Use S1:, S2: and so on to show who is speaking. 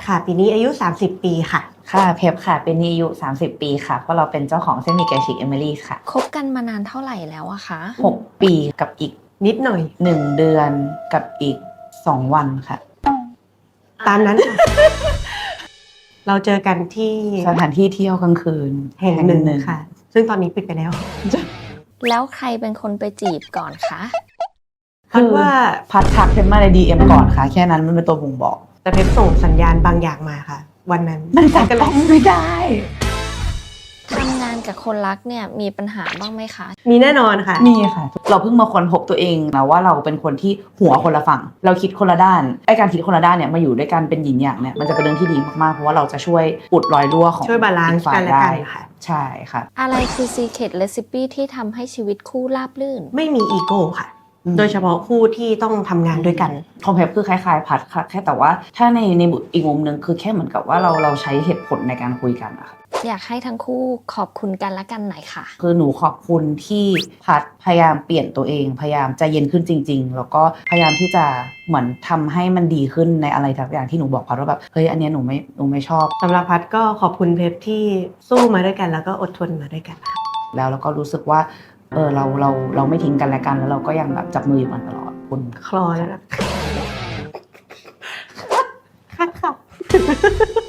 S1: ค่ะปีนี้อายุ30ปีค่ะ
S2: ค่ะเพปค่ะเป็นอายุ30ปีค่ะเพราะเราเป็นเจ้าของเส้นหมี่ไก่ฉีกเอมิลี่ค่ะ
S3: คบกันมานานเท่าไหร่แล้วอะคะ
S2: 6ปีกับอีก
S1: นิดหน่อย
S2: 1เดือนกับอีก2วันค่ะ
S1: ตามนั้นค่ะ เราเจอกันที่
S2: สถานที่เที่ยวกลางคืน
S1: แห่งหนึ่งค่ะซึ่งตอนนี้ปิดไปแล้ว
S3: แล้วใครเป็นคนไปจีบก่อนคะ
S1: พัดว่า
S2: พัดทักเพปมาใน DM ก่อนค่ะแค่นั้นมันเป็นตัวบ่งบอก
S1: แต่เพชรส่งสัญญาณบางอย่างมาค่ะ วันนั้น
S2: มันจับต้องไม่ได้
S3: ทำงานกับคนรักเนี่ยมีปัญหาบ้างไหมคะ
S1: มีแน่นอนค่ะ
S2: มีค่ะเราเพิ่งมาค้นพบตัวเองนะว่าเราเป็นคนที่หัวคนละฝั่งเราคิดคนละด้านไอ้การคิดคนละด้านเนี่ยมาอยู่ด้วยกันเป็นหยินหยางเนี่ยมันจะเป็นเรื่องที่ดีมากๆเพราะว่าเราจะช่วยอุดรอยรั่วของ
S1: ช่วยบาลานซ์
S2: อีฝ่
S1: กันและกัน
S2: ได้
S1: ค่ะ
S2: ใช่ค่ะ
S3: อะไรคือ secret recipe ที่ทำให้ชีวิตคู่ราบรื่น
S1: ไม่มีอีโก้ค่ะ โดยเฉพาะคู่ที่ต้องทำงานด้วยกัน
S2: ของเพปคือคล้ายๆพัดค่ะแค่แต่ว่าถ้าในอีกมุมหนึ่งคือแค่เหมือนกับว่าเราใช้เหตุผลในการคุยกันอะค่ะ
S3: อยากให้ทั้งคู่ขอบคุณกันและกันหน่อยค่ะ
S2: คือหนูขอบคุณที่พัดพยายามเปลี่ยนตัวเองพยายามใจเย็นขึ้นจริงๆแล้วก็พยายามที่จะเหมือนทำให้มันดีขึ้นในอะไรทุกอย่างที่หนูบอกพัดว่าแบบเฮ้ยอันเนี้ยหนูไม่ชอบ
S1: สำหรับพัดก็ขอบคุณเพชรที่สู้มาด้วยกันแล้วก็อดทนมาด้วยกันค่ะ
S2: แล้วก็รู้สึกว่าเราไม่ทิ้งกันและกันแล้วเราก็ยังแบบจับมืออยู่กันตลอดคุณ
S1: คลอแล้วนะค่ะ